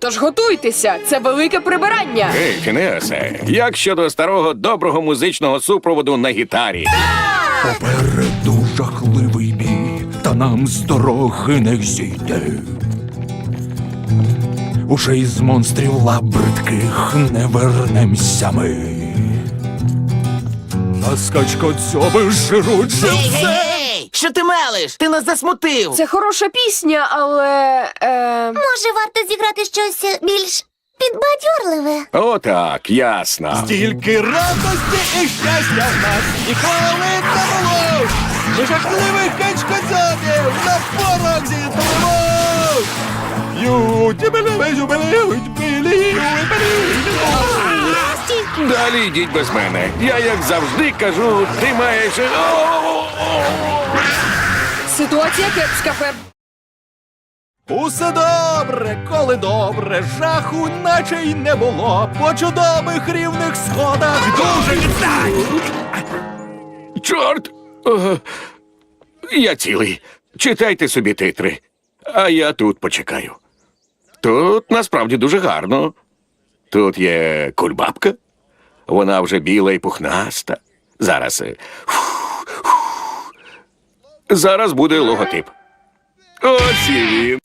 Тож готуйтеся, це велике прибирання. Ей, Фінеасе, як щодо старого доброго музичного супроводу на гітарі? Попереду жахливий бій, та нам з дороги не зійти. Уже із монстрів лап бридких не вернемся ми. На скачкодзьоби жируть живце. Гей! Що ти мелиш? Ти нас засмутив! Це хороша пісня, але... Може, варто зіграти щось більш підбадьорливе? Отак, ясно. Стільки радості і щастя в нас ніколи не було. Ми жахливих качкодзьобів на порох зітримо. Далі йдіть без мене. Я, як завжди, кажу, ти маєш... Ситуація кепська, Феб. Усе добре, коли добре, жаху наче й не було. По чудових рівних сходах дуже відстань. Чорт! Я цілий. Читайте собі титри. А я тут почекаю. Тут насправді дуже гарно. Тут є кульбабка. Вона вже біла і пухнаста. Зараз... Зараз буде логотип. Ось і він.